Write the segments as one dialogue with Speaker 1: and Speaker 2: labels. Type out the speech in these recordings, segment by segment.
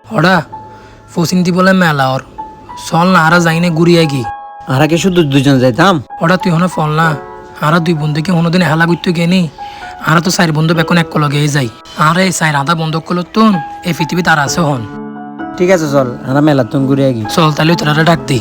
Speaker 1: হড়া ফসিন্তি বলে মেলা ওর চল না আরা যাইনে ঘুরিয়ে গি
Speaker 2: আরা কি শুধু দুজন যাইতাম?
Speaker 1: হড়া তুই হনে ফল না আরা দুই বন্ধুকে কোনোদিন হেলা করতে গেনি আরা তো চার বন্ধু বেকন এক লগে যাই আর এই চার আধা বন্ধ করলো তুন এই পৃথিবী তার আছে হন।
Speaker 2: ঠিক আছে চল, আরা মেলা তুমি ঘুরে আগি।
Speaker 1: চল তাহলে তোরা ডাক দি।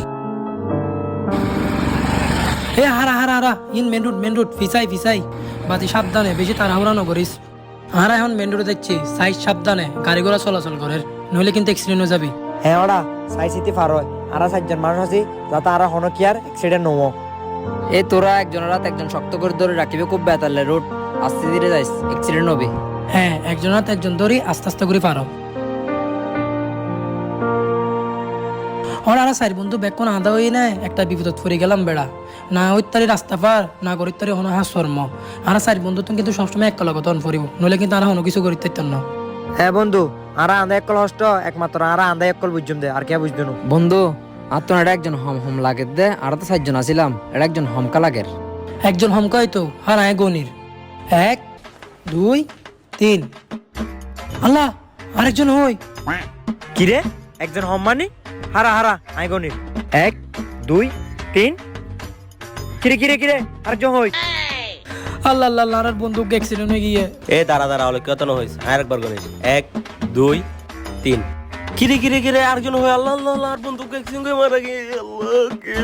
Speaker 1: এ হারা হারা হারা ইন মেন রুট ফিসাই বাতি সাবধানে বেশি তাড়াহুড়া নকরিস। হারা এখন মেন রুটে দেখছি সাইজ সাবধানে গাড়ি ঘোড়া চলাচল করে নইলে কিন্তু অ্যাক্সিডেন্ট হয়ে যাবি।
Speaker 2: হ্যাঁ ওরা সাইসিতে পার হয়, আরা 4জন মানুষ আছি যাতে আরা হন কি আর অ্যাক্সিডেন্ট নমো।
Speaker 3: এই তোরা একজন রাত একজন শক্ত করে ধরে রাখিবে, খুব বেতালে রোড আস্তে ধীরে যাইস, অ্যাক্সিডেন্ট হবে।
Speaker 1: হ্যাঁ একজন হাত একজন ধরি আস্তে আস্তে করে পারো। ওর আর চার বন্ধু বেকন আদা হই না একটা বিপদত পড়ে গেলাম বেড়া না ওই তারি রাস্তা পার না করি তারি হন হা শর্ম আর চার বন্ধু তুমি কিন্তু সবসময় এক লগত পড়িব নইলে কিন্তু আর হন কিছু করিতে না।
Speaker 2: হ্যাঁ বন্ধু, আরা আন্দা একল হষ্ট একমাত্র আরা আন্দা একল বুঝুম দে আর কে বুঝদুন।
Speaker 3: বন্ধু আর তো এটা একজন হম হম লাগের দে, আর তো 4জন আছিলাম, এটা একজন হমকা লাগের।
Speaker 1: একজন হমকাই তো হার আয় গনির 1 2 3 আল্লাহ আরেকজন হই
Speaker 2: কি রে একজন হম মানে হারা হারা আইগনির 1 2 3 কিরে আরেকজন হই।
Speaker 1: আল্লাহ আল্লাহ আল্লাহ আর বন্ধু অ্যাক্সিডেন্ট হয়ে গিয়ে
Speaker 4: এ দাঁড়া হলো কত হয়েছে আরেকবার করে 1 2 3 কিরে আরেকজন হয়ে আল্লাহ আল্লাহ আল্লাহ আর বন্ধু একসঙ্গে মারা গিয়ে আল্লাহ কে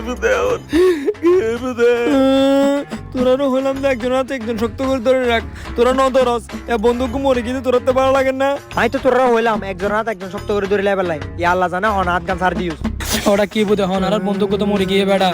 Speaker 4: বুদে
Speaker 2: তোরা হইলাম না একজন হাতে একজন শক্ত করে ধরে রাখ, তোরা ন ধরস এ বন্ধুকে মরে গিয়ে তোরা তো ভালো লাগে না। আমি তো তোরা হইলাম একজন হাতে একজন শক্ত করে ধরে লেবেল লাই ই আল্লাহ জানে হন হাত গান সার দিউস।
Speaker 1: ওটা কি বুঝে হন আর বন্ধু কত মরে গিয়ে বেড়া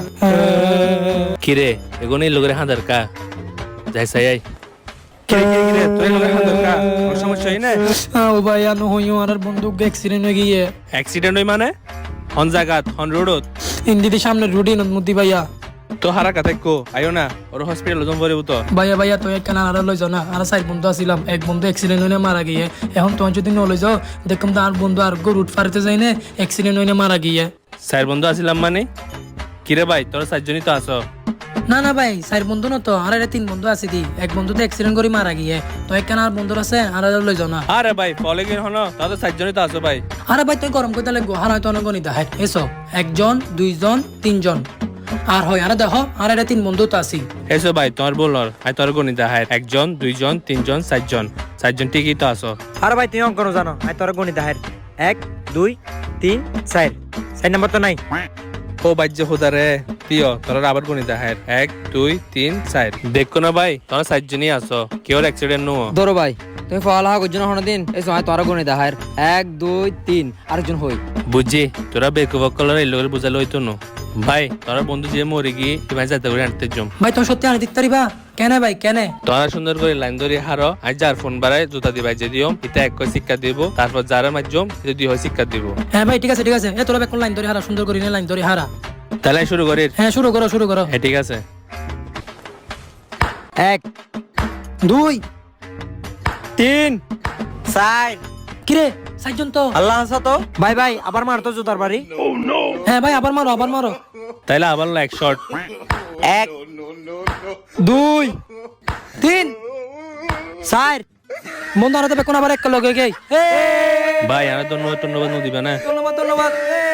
Speaker 4: কিরে এগোনি লোকের হাঁদার কা যাই সাই
Speaker 5: কিরে তুই লোকের হান্দর কা কোনো সমস্যা হই না?
Speaker 1: ও ভাই আনো হইও আর বন্ধু অ্যাক্সিডেন্ট হয়ে গিয়ে
Speaker 4: অ্যাক্সিডেন্ট হই মানে হন জায়গাত হন রোডত
Speaker 1: ইন্দিদি সামনে রুটিন মুদি ভাইয়া
Speaker 5: তো হারা কাতে কো আইও না ওর হসপিটাল লজম পড়িব তো।
Speaker 1: ভাইয়া তো একটা নানারা লই যাও না আর চার বন্ধু আসিলাম এক বন্ধু অ্যাক্সিডেন্ট হয়ে মারা গিয়ে এখন তোমার যদি ন লই যাও দেখুন তো আর বন্ধু আর রুট ফারতে যাই না অ্যাক্সিডেন্ট হয়ে মারা গিয়ে।
Speaker 4: চার বন্ধু আসিলাম মানে কিরে ভাই তোরা 4জনই তো আছো?
Speaker 1: না ভাই চার বন্ধু না তো আর এটা 3 বন্ধু আছে দি এক বন্ধু তো অ্যাক্সিডেন্ট করে মারা গিয়ে তো একখানা আর বন্ধু আছে আর লই যাও না।
Speaker 4: আরে ভাই ফলে গিয়ে হনো তাদের 4জনই তো আছো ভাই।
Speaker 1: আরে ভাই তুই গরম করতে লাগবো আর হয়তো অনেক গণিত হয় এসো 1 জন 2 জন 3 জন আর হয় আর দেখো আর এটা 3 বন্ধু তো আছি।
Speaker 4: এসো ভাই তোমার বলর আই তোর গণিত হয় 1 জন 2 জন 3 জন 4জন ঠিকই তো আছো।
Speaker 2: আর ভাই তুই অঙ্ক জানো আই তোরা গণিত হার 1 2 3 4 4 নাম্বার তো নাই।
Speaker 4: ও বাজ্য হোদারে তিও তোরা আবার গণিত হয় 1 2 3 4 দেখো না ভাই তোরা 4জনই আছো কেউ অ্যাক্সিডেন্ট নো
Speaker 3: ধরো ভাই তুমি ফল হা করছো না হন দিন এই সময় তোরা গণিত হার 1 2 3 আরেকজন হই।
Speaker 4: বুঝছি তোরা বেকুবক কলার এই লোকের বুঝালো হইতো না ভাই তোরা বন্ধু যে মরে গিয়ে তুমি যাতে করে আনতে জম
Speaker 1: ভাই তুমি সত্যি আনি দিতে পারিবা কেন ভাই কেন
Speaker 4: তোরা সুন্দর করে লাইন ধরে হারো আজ যার ফোন বাড়ায় জুতা দিবাই যে দিও এটা এক শিক্ষা দিব তারপর যারা মাধ্যম এটা 2 হয় শিক্ষা দিব।
Speaker 1: হ্যাঁ ভাই ঠিক আছে এ তোরা বেকন লাইন ধরে হারা সুন্দর করে লাইন ধরে হারা।
Speaker 4: তাহলে শুরু করি?
Speaker 1: হ্যাঁ শুরু করো
Speaker 4: হ্যাঁ ঠিক আছে
Speaker 2: 1
Speaker 1: 2
Speaker 2: 3 4
Speaker 1: কিরে 4 জন তো
Speaker 2: আল্লাহ আছে তো ভাই আবার মারতো জুতার বাড়ি।
Speaker 1: হ্যাঁ ভাই আবার মারো
Speaker 4: তাইলে আবার এক শট
Speaker 2: 1 2
Speaker 1: 3
Speaker 2: 4
Speaker 1: বন্ধু আর বেকন আবার এক লগে গই
Speaker 4: ভাই আমি ধন্যবাদ দিবা না
Speaker 1: ধন্যবাদ